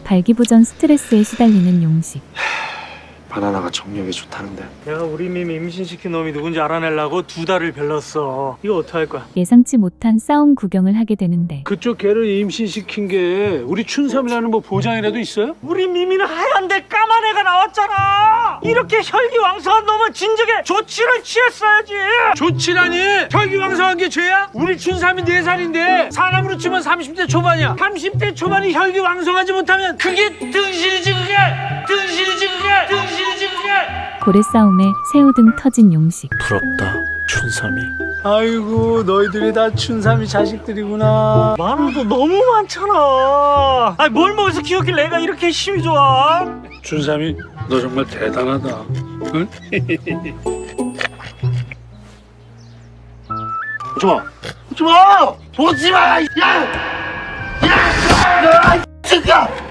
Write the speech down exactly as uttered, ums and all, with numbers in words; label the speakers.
Speaker 1: 발기부전 스트레스에 시달리는 용식.
Speaker 2: 바나나가 정력에 좋다는데.
Speaker 3: 내가 우리 미미 임신시킨 놈이 누군지 알아내려고 두 달을 별렀어. 이거 어떡할 거야?
Speaker 1: 예상치 못한 싸움 구경을 하게 되는데
Speaker 4: 그쪽 개를 임신시킨 게 우리 춘삼이라는 뭐 보장이라도 있어요?
Speaker 3: 우리 미미는 하얀데 까만 애가 나왔잖아. 이렇게 혈기왕성한 놈은 진즉에 조치를 취했어야지.
Speaker 4: 좋지라니! 혈기왕성한 게 죄야? 우리 춘삼이 네 살인데 사람으로 치면 삼십 대 초반이야. 삼십 대 초반이 혈기왕성하지 못하면 그게 등신이지 그게! 등신이지 그게! 등신이지 그게!
Speaker 1: 고래 싸움에 새우등 터진 용식.
Speaker 2: 부럽다, 춘삼이.
Speaker 4: 아이고 너희들이 다 춘삼이 자식들이구나.
Speaker 3: 많아도 너무 많잖아. 아니 뭘 먹어서 키웠길래 애가 이렇게 힘이 좋아?
Speaker 4: 춘삼이 너 정말 대단하다. 응?
Speaker 3: 오지마. 오지마. 오지마. 야. 야. 야. 이 새끼야.